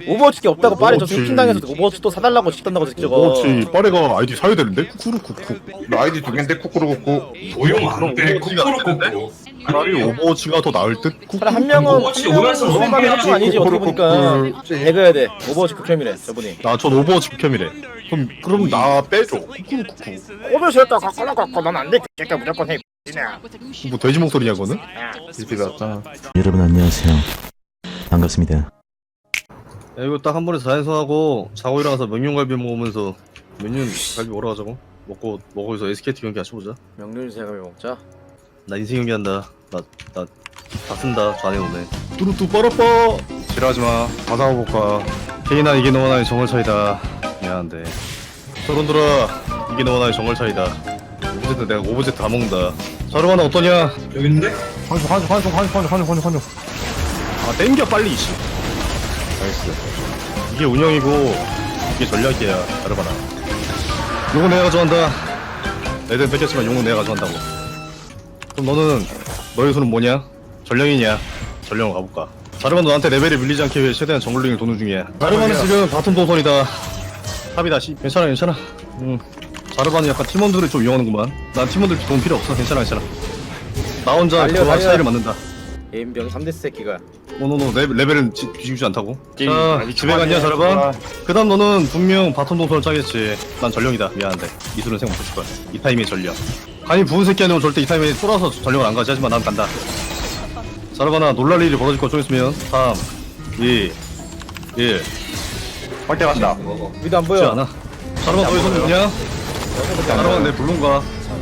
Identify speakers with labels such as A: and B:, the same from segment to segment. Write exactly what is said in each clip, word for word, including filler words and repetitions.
A: 오버워치 게 없다고 빠래 저
B: 오버워치.
A: 스킨당해서 오버워치 또 사달라고 시킨다고 저거.
B: 오버워치 빠레가 아이디 사야 되는데? 쿠쿠루쿠쿠.
C: 나 아이디 두 개인데 쿠쿠루쿠쿠.
D: 도용 안 돼.
B: 오버워치가
D: 코코로
B: 차라리 오버워치가 더 나을 듯? 쿠쿠.
A: 차라리 한 명은
D: 오버워치
A: 한 명은
D: 오면서
A: 소감이 합쳐 아니지 어떻게 보니까
C: 그렇지.
A: 배그해야 돼. 오버워치 극혐이래 저분이.
B: 아, 전 오버워치 극혐이래. 그럼, 그럼 나 빼줘. 쿠쿠루쿠쿠.
A: 오버워치 했다 갖고 갖고 넌안돼 새끼야 무조건 해.
B: 뭐 돼지 목소리냐, 그거는?
C: 비슷비 같잖아.
E: 여러분 안녕하세요. 반갑습니다.
F: 야, 이거 딱 한 번에 자연선하고 자고 일어나서 명륜갈비 먹으면서 명륜갈비 먹으러 가자고. 먹고 먹어서 에스케이티 경기 같이 보자.
A: 명륜새가 먹자.
F: 나 인생 경기 한다. 나 나 다 쓴다. 좌네 오네.
B: 뚜루뚜 뻐러뻐.
F: 지랄하지마. 가상해볼까. 케이나 이게 너와 나의 정글 차이다. 미안한데. 서른들아 이게 너와 나의 정글 차이다. 오브제트 내가 오브제트 다 먹는다. 자르바나 어떠냐?
D: 여기 있는데?
B: 환송, 환송, 환송, 환송, 환송, 환송, 환송. 아, 땡겨, 빨리, 이씨.
F: 나이스. 이게 운영이고 이게 전략이야. 자르바나. 용은 내가 가져간다. 애들 뺏겼지만 용은 내가 가져간다고. 그럼 너는 너의 손은 뭐냐? 전령이냐? 전령을 가볼까? 자르바는 너한테 레벨이 밀리지 않기 위해 최대한 정글링을 도는 중이야. 자르바는 지금 바텀 동선이다. 탑이다. 씨. 괜찮아 괜찮아. 응. 자르바는 약간 팀원들을 좀 이용하는구만. 난 팀원들 도움 필요 없어. 괜찮아 괜찮아. 나 혼자
A: 달려,
F: 그와
A: 달려.
F: 차이를 맞는다.
A: 예인병 삼 대 새끼가.
F: 노노노 레, 레벨은 지, 뒤지지 않다고.
B: 게임
F: 자
B: 아니,
F: 집에 갔냐
B: 그만해,
F: 자르바?
B: 그만.
F: 그 다음 너는 분명 바텀 동선을 짜겠지. 난 전령이다. 미안한데 이술은 생각 못했을 거야. 이 타이밍에 전령. 아니 부은 새끼 아니면 절대 이 타이밍에 쫄아서 전령을 안 가지. 하지만 난 간다. 자르바나 놀랄 일이 벌어질 거 좀 있으면 삼 이 일
C: 빨대 간다.
A: 위도 안
F: 쉽지
A: 보여.
F: 않아. 자르바 너의 손은 뭐냐? 자르바 내 블룸가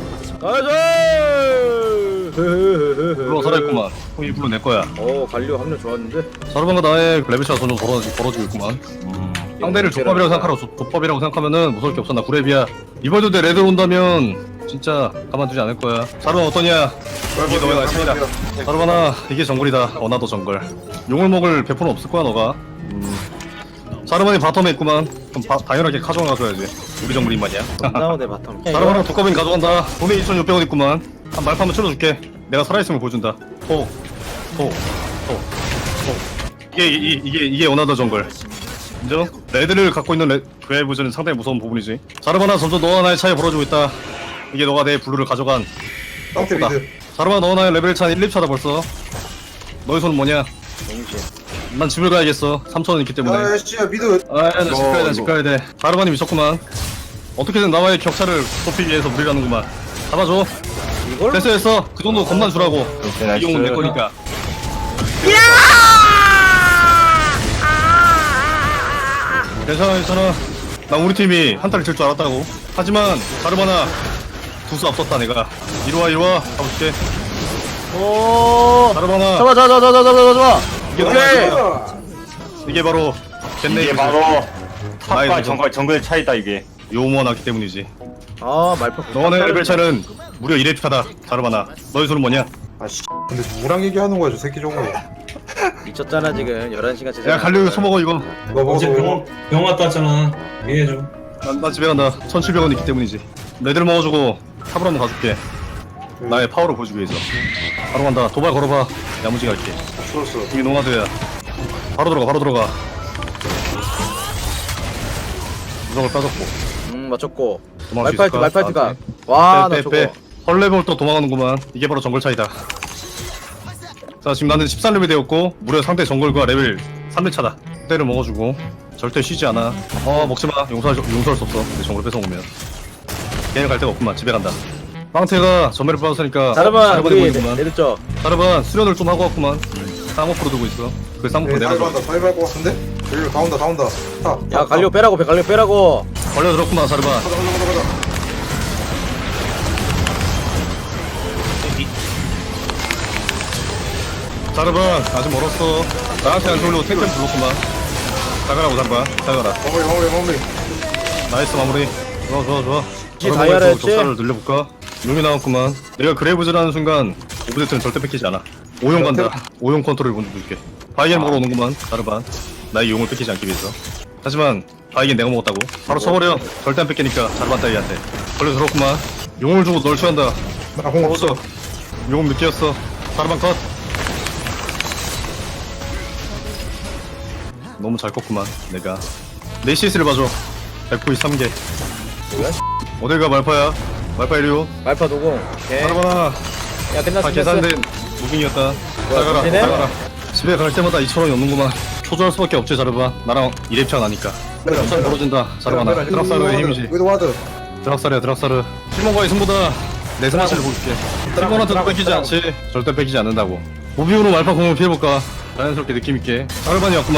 A: 가자.
F: 블루 살아있구만. 이 블루 내 거야.
A: 어 갈려 합류 좋았는데.
F: 자르바가 나의 레벨 차가 점점 벌어지, 벌어지고 있구만. 상대를 족밥이라고 생각하라. 족- 족밥이라고 생각하면은 무서울 게 없어. 나 구레비야. 이번에도 내 레드 온다면 진짜 가만두지 않을 거야. 자르바 어떠냐? 이게 너의 나의 차이다. 자르바나 이게 정글이다. 어나더 정글. 용을 먹을 배포는 없을 거야 너가. 음. 자르바니 바텀에 있구만. 그럼 바, 당연하게 카정을 가져야지. 우리 정글인 말이야.
A: 나오네 바텀.
F: 자르바랑 독가빈 가져간다. 돈에 이천육백 원 있구만. 한 말파 한번 쳐줄게. 내가 살아있음을 보여준다. 호, 호, 호, 호. 이게 이, 이게 이게 어나더 정글. 인정? 레드를 갖고 있는 레, 그레이브즈는 상당히 무서운 부분이지. 자르바나 점점 너와 나의 차이 벌어지고 있다. 이게 너가 내 블루를 가져간
C: 땅태
F: 다
C: 미드.
F: 자르바나 너와 나의 레벨 차는 일, 이 차다 벌써. 너의 손은 뭐냐?
A: 동시에.
F: 난 집을 가야겠어. 삼천 원 있기 때문에.
C: 야, 씨, 야, 미드.
F: 아, 나 집
C: 너,
F: 가야 돼, 집
C: 이거.
F: 가야 돼. 자르바니 미쳤구만. 어떻게든 나와의 격차를 좁히기 위해서 무리라는구만. 잡아줘.
A: 이걸?
F: 됐어, 됐어. 그 정도 겁만 주라고. 이용은 내 거니까. 괜찮아, 괜찮아. 난 우리 팀이 한타를 칠 줄 알았다고. 하지만 자르바나 두 수 앞섰다 내가. 이리와, 이리와. 가볼게.
A: 오.
F: 자르바나
A: 잡아 잡아 잡아 잡아 잡아 잡아.
F: 이게
A: 오케이.
F: 바로 이게 바로 겟네이브.
G: 이게 바로
F: 나의
G: 탑과
F: 도전.
G: 정글 정글 차이다 이게.
F: 요모하기 때문이지.
A: 아 말파.
F: 너네 레벨 차는 무려 일 회 차다. 자르바나. 너희 손은 뭐냐?
C: 아, 씨. 근데 누구랑 얘기하는 거야, 저 새끼 저거.
A: 미쳤잖아 지금 열한 시간 째.
F: 야, 갈려 이거 처먹어 이거.
C: 너 먹어.
D: 어제 병원 병원 갔다 왔잖아. 이해해줘.
F: 난, 난 집에 간다. 천칠백 원 있기 때문이지. 레드를 먹어주고 탑으로 한번 가줄게. 나의 파워를 보여주기 위해서. 바로 간다. 도발 걸어봐. 야무지게 할게.
C: 풀었어.
F: 이게 노마드야. 바로 들어가, 바로 들어가. 무적을 빠졌고.
A: 음 맞췄고.
F: 도망갈 수
A: 말파이트
F: 있을까?
A: 말파이트가.
F: 나한테.
A: 와나
F: 빼,
A: 저거.
F: 빼, 빼. 헐레벌 또 도망가는구만. 이게 바로 정글 차이다. 자, 지금 나는 십삼 레벨 되었고 무려 상대 정글과 레벨 삼 회 차다. 때를 먹어주고 절대 쉬지 않아. 어, 먹지마. 용서할, 용서할 수 없어. 내 정글 뺏어오면. 게임 갈 데가 없구만. 집에 간다. 빵태가 전멸을 빠졌으니까
A: 자르반
F: 자르반이
A: 우리
F: 보이는구만.
A: 내렸죠.
F: 자르반 수련을 좀 하고 왔구만. 쌍꺼풀로 두고 있어. 그 쌍꺼풀
C: 네,
F: 내려줘.
C: 다이브 한다, 다이브 할것 같은데? 여기로 다 온다, 다 온다. 타. 타,
A: 야
C: 타.
A: 갈려 빼라고 배 갈려 빼라고.
F: 걸려들었구만 자르반.
C: 가자, 가자, 가자, 가자.
F: 자르반 아직 멀었어. 나한테 안 돌리고 탱크 불렀구만. 자가라고 자르반. 자가라.
C: 마무리, 마무리, 마무리.
F: 나이스 마무리. 좋아 좋아 좋아.
A: 이게 다이아라 했지?
F: 격사를 늘려볼까? 용이 나왔구만. 내가 그레이브즈라는 순간 오브젝트는 절대 뺏기지 않아. 오용 간다. 오용 컨트롤 먼저 줄게. 바이겐 먹으러 오는구만. 자르반. 나의 용을 뺏기지 않기 위해서. 하지만 바이겐 내가 먹었다고. 바로 쳐버려. 절대 안 뺏기니까 자르반 따위한테. 걸려 들었구만. 용을 주고 널 취한다.
C: 나공 없어.
F: 없어. 용은 느끼었어. 자르반 컷. 너무 잘 컸구만 내가. 내 시스를 봐줘. 백구십삼 개.
A: 뭐야?
F: 어딜가 말파야. 말파 이리오.
A: 말파 노공. 오케이.
F: 알아봐라.
A: 야 끝났어.
F: 다
A: 끝났어.
F: 계산된 무빙이었다.
A: 뭐야,
F: 나가라
A: 정신해?
F: 나가라. 집에 갈 때마다 이천 원이 없는구만. 초조할 수밖에 없지 자르바. 나랑 일 렙차 나니까. 부산 벌어진다 자르바나. 드락사르의 힘이지.
C: 위도 와드.
F: 드락사르야 드락사르. 실몬과의 승부다. 내 스마치를 보여줄게. 실몬한테도 뺏기지 않지. 절대 뺏기지 않는다고. 무빙으로 말파 공을 피해볼까. 자연스럽게 느낌있게. 자르반이 왔구만.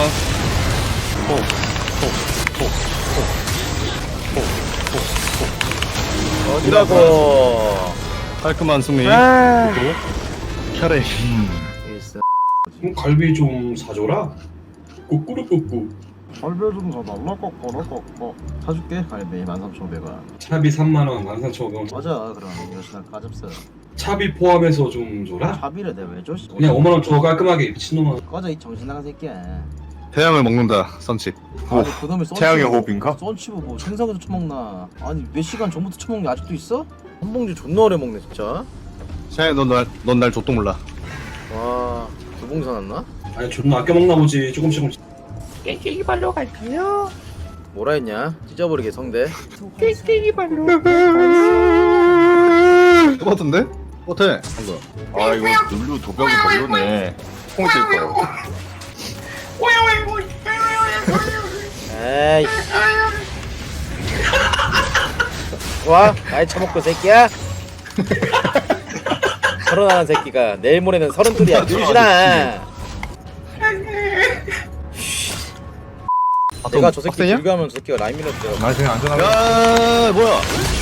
A: 어디라고?
F: 깔끔한 승리.
A: 아.
F: 혈액.
A: 일승.
D: 그럼 갈비 좀 사줘라. 꾸꾸루꾸꾸.
B: 갈비 좀 사달라 꺼꺼꺼꺼 사줄게. 갈비 만 삼천오백 원.
D: 차비 삼만 원, 만 삼천오백 원.
B: 맞아. 그럼 요시나 까잡스.
D: 차비 포함해서 좀 줘라.
B: 차비를 내가 왜 줘?
D: 그냥 오만 원 줘 깔끔하게 미친놈아.
B: 꺼져 이 정신 나간 새끼야.
F: 태양을 먹는다 선칩.
B: 아니 그놈의 썬치
G: 태양의
B: 보고,
G: 호흡인가?
B: 썬치 보고 생선에서 처먹나? 아니 몇 시간 전부터 처먹는 게 아직도 있어?
A: 한 봉지 존나 오래 먹네 진짜.
F: 샤이 넌날넌날 족도 몰라.
A: 와, 두 봉지 사놨나?
D: 아니 존나 아껴 먹나 보지. 조금씩 조금씩.
A: 뭐라 했냐? 찢어버리게 성대.
F: 똑같은데? 똑같아. 방금.
G: 아 이거 룰루 도벽이 별로네. 콩 찔 거.
A: 에이. 와, 많이 처먹고 새끼야. 서른하나 새끼가 내일 모레는 서른둘이야. 늘지나. 내가 저 새끼
F: 빡세냐?
A: 불가하면 저 새끼가 라인 밀었죠.
C: 나이스 그냥 안전하게.
F: 야 뭐야?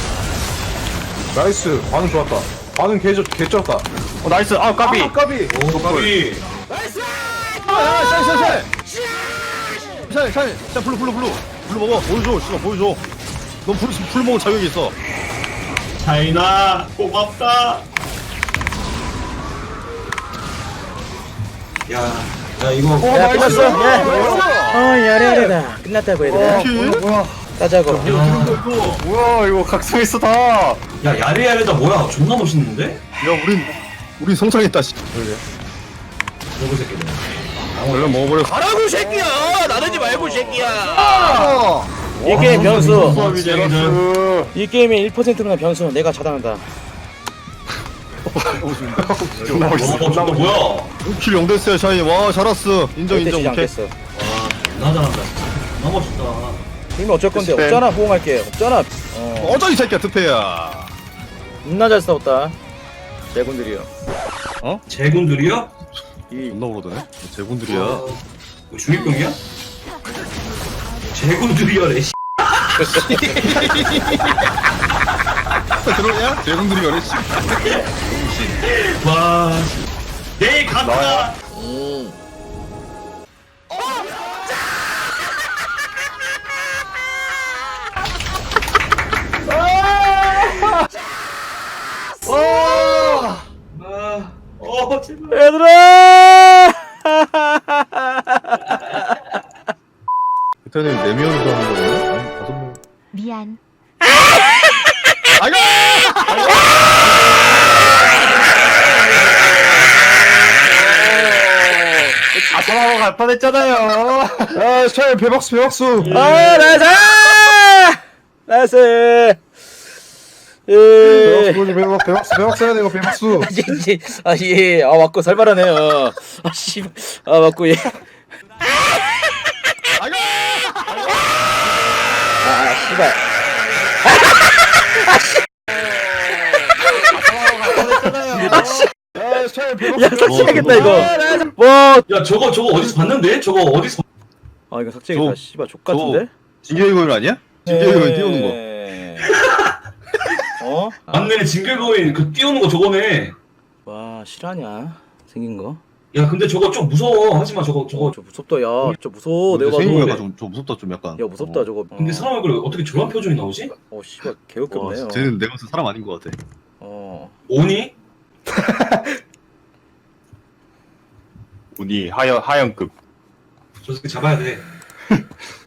C: 나이스. 반응 좋았다. 반응 개, 개쩔었다.
G: 어 나이스. 아 까비.
C: 아, 까비.
D: 오 갈비.
F: 야 샤이 샤이 샤이. 샤이 샤이 샤이 블루 블루 블루 블루 먹어. 보여줘. 씨발 보여줘. 넌 블루 블루 먹을 자격이 있어.
D: 차이나 고맙다. 야, 야 이거.
A: 야, 끝났어. 야. 어, 야래야래다. 끝났다고 얘들아.
F: 뭐야?
A: 따자고.
D: 야,
G: 뭐야 이거 각성했어 다.
D: 야 야리야리다 뭐야? 존나 멋있는데?
F: 야 우린 우린 성장했다. 씨.
D: 저거 새끼들.
F: 얼른 먹어버려.
A: 가라고 새끼야. 나대지 말고 새끼야. 이 게임 변수.
D: 수업이쟁이들.
A: 이 게임의 일 퍼센트나 변수. 내가 차단한다.
G: 존나
D: 와,
G: 멋있어.
D: 너 저거 뭐야? 와,
F: 오 킬 영 됐어요 샤이. 와 잘했어. 인정
A: 절대
F: 인정.
A: 지지
F: 오케이.
A: 않겠어.
D: 존나 잘한다. 존나 멋있다.
A: 그러면 어쩔 건데
G: 스팸.
A: 없잖아. 호응할게. 없잖아. 어.
F: 어쩌 이 새끼야 특패야.
A: 겁나 잘 싸웠다. 제군들이요.
D: 제군들이요?
A: 이
F: 존나 오르더네. 제군들이야.
D: 와, 뭐 중립병이야? 제군들이야래. 씨.
F: 들어오냐? 제군들이 어래. 씨.
D: 와, 내일 간다.
A: 음.
D: 아, 어, 제발.
A: 얘들아!
F: 그때는 네 명이서 하는 거였나? 아니 다섯 명.
H: 미안.
F: 아이고!
G: 아 전화가 갈 뻔했잖아요.
C: 아, 샤이 배박수 배박수.
A: 아, 나이스! 나이스!
C: 배박수
A: 예.
C: 보여줘, 배박 배박수 배박수 해야 돼 이거 배박수.
A: 아, 예. 아, 맞고 살벌하네요. 아, 씨. 아, 맞고, 예.
F: 아이고!
A: 아, 씨발.
C: 아, 샤이 배박수.
A: 야, 삭제해야겠다, 이거. 뭐.
D: 야, 저거 저거 어디서 봤는데? 저거 어디서?
A: 아, 이거 삭제해야겠다.
F: 저-
A: 씨발, 족 같은데?
F: 진격의 아니야? 진격의 띄우는 거.
A: 거. 어? 아,
D: 맞네, 징글거인 그 띄우는 거 저거네.
A: 와, 실화냐? 생긴 거?
D: 야, 근데 저거 좀 무서워. 하지마, 저거 저거.
A: 어, 저 무섭다, 야. 저 무서워, 내가
F: 생긴
A: 봐도.
F: 거가 좀, 좀 무섭다 좀 약간.
A: 야, 무섭다,
F: 어.
A: 저거.
D: 근데 사람 얼굴에 어떻게 저런 표정이 나오지?
A: 어, 씨발,
F: 와,
A: 개웃겼네요.
F: 쟤는 내가 봤을 때 사람 아닌 것 같아.
A: 어.
D: 오니?
G: 운이 하연 하연급.
D: 저 새끼 잡아야 돼.